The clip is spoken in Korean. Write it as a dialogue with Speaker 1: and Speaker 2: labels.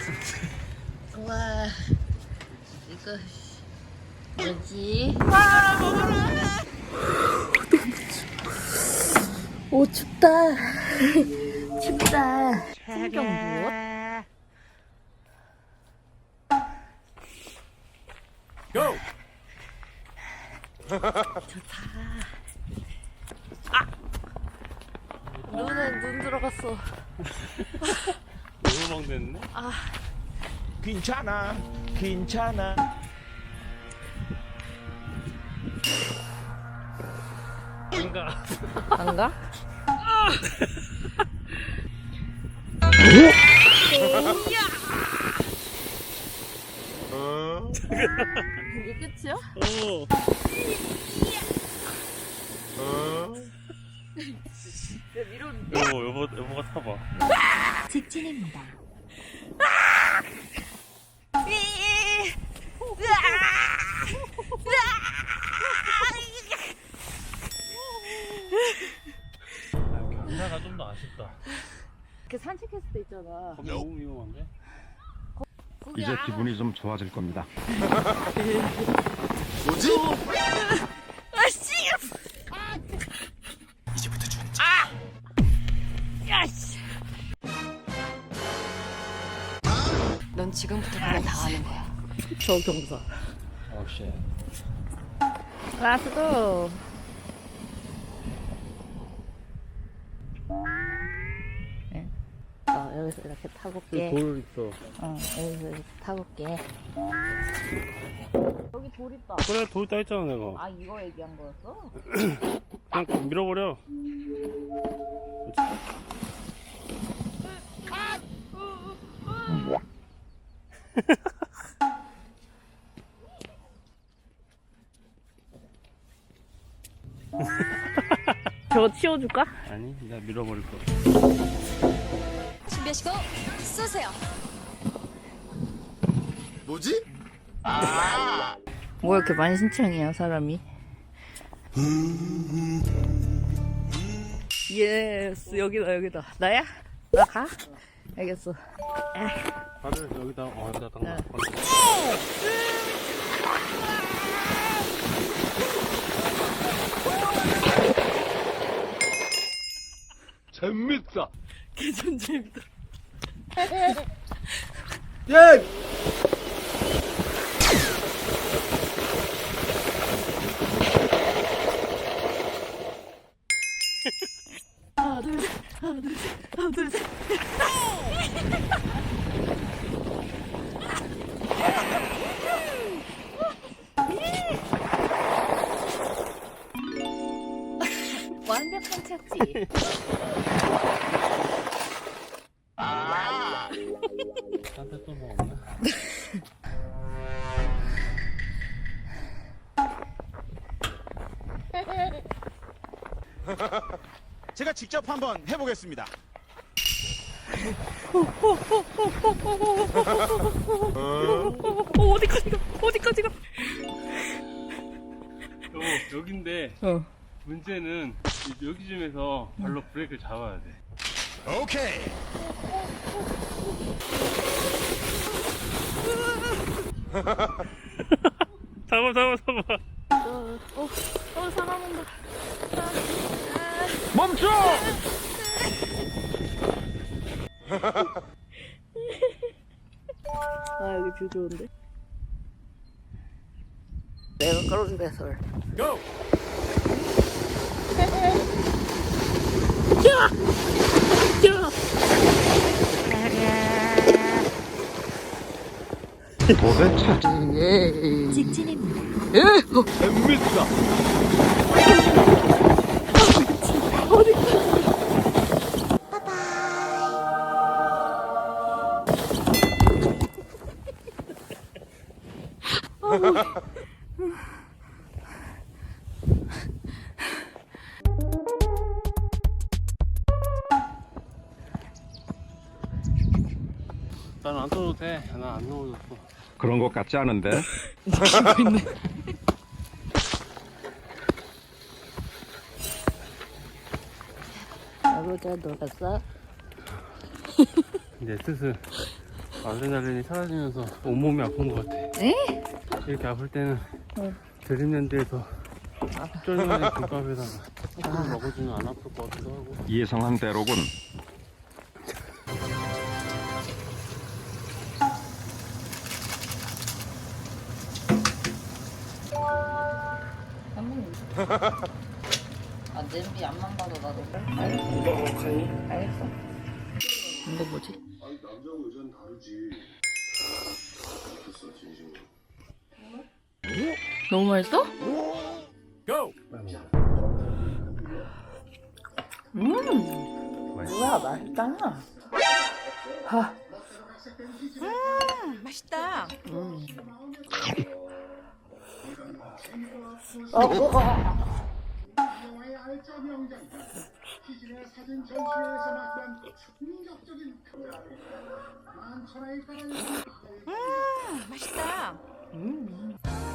Speaker 1: 와, 이거 뭐지? 오 춥다. 춥다. 풍경 무엇?
Speaker 2: 고!
Speaker 1: 좋다. 아! 눈에 눈 들어갔어.
Speaker 2: 너무 먹냈네?
Speaker 1: 아,
Speaker 2: 괜찮아, 괜찮아. 뭔가
Speaker 1: 안 가? 이게 끝이야?
Speaker 2: 어. 여보가 타봐.
Speaker 1: 직진입니다.
Speaker 2: 경사가 좀 더 아쉽다.
Speaker 1: 그 산책했을 때 있잖아.
Speaker 2: 거기 너무 위험한데?
Speaker 3: 이제 기분이 좀 좋아질 겁니다.
Speaker 2: 뭐지?
Speaker 1: 아씨!
Speaker 2: 이제부터 준지.
Speaker 1: 야씨! 넌 지금부터 그냥 당하는 거야. 저 경사.
Speaker 2: 오 쉣.
Speaker 1: 라스고. 네. 여기서 이렇게 타볼게.
Speaker 2: 돌 있어.
Speaker 1: 여기서 이렇게 타볼게. 여기 돌 있다.
Speaker 2: 그래, 돌 있다 했잖아, 내가.
Speaker 1: 아, 이거 얘기한 거였어?
Speaker 2: 그냥 밀어버려.
Speaker 1: 저거 치워줄까?
Speaker 2: 아니, 내가 밀어버릴 거야.
Speaker 4: 준비하시고 쏘세요.
Speaker 2: 뭐지?
Speaker 1: 뭐 이렇게 만신창이야 사람이. 예스, 여기다. 나야? 나 가? 알겠어.
Speaker 2: 다들 여기다, 여기다 딱
Speaker 1: 네.
Speaker 2: 놔. 재밌다.
Speaker 1: 개전 재밌다.
Speaker 2: 예!
Speaker 1: 하나 둘 셋, 하나 둘 셋, 하나 둘 셋. 완벽한 착지.
Speaker 2: 딴데 또 뭐 없나?
Speaker 5: 제가 직접 한번 해보겠습니다.
Speaker 1: 어디까지 가?
Speaker 2: 여긴데, 문제는 여기쯤에서 발로 브레이크를 잡아야 돼.
Speaker 5: 오케이.
Speaker 2: 잡아.
Speaker 1: 사람 온다.
Speaker 2: 멈춰!
Speaker 1: 아, 여기 뷰 좋은데? 내가 끌어준 배설.
Speaker 2: 고!
Speaker 3: 도대체
Speaker 4: 직진입니다.
Speaker 2: 재밌다. 난 안 떠도 돼. 난 안 넣어줬어.
Speaker 3: 그런 것 같지 않은데?
Speaker 1: 아버지 놀았어?
Speaker 2: 이제 슬슬 아드레날린이 사라지면서 온몸이 아픈 것 같아.
Speaker 1: 에?
Speaker 2: 이렇게 아플 때는 드림랜드에서 쫄면에 김밥에다가 술 먹어주면 안 아플 것 같기도 하고.
Speaker 3: 예상한 대로군.
Speaker 1: 아, 냄비 앞만 봐도 나도. 알겠어. 이거 뭐지?
Speaker 4: 남자하고 여자는 다르지. 알겠어, 진심으로.
Speaker 1: 너무 맛있어? 뭐야, 맛있다.
Speaker 6: 맛있다.
Speaker 4: 영화의 알짜 명장. 기진의 사진 전시회에서 맛본 충격적인 만천하에 깔아있는
Speaker 6: 맛있다.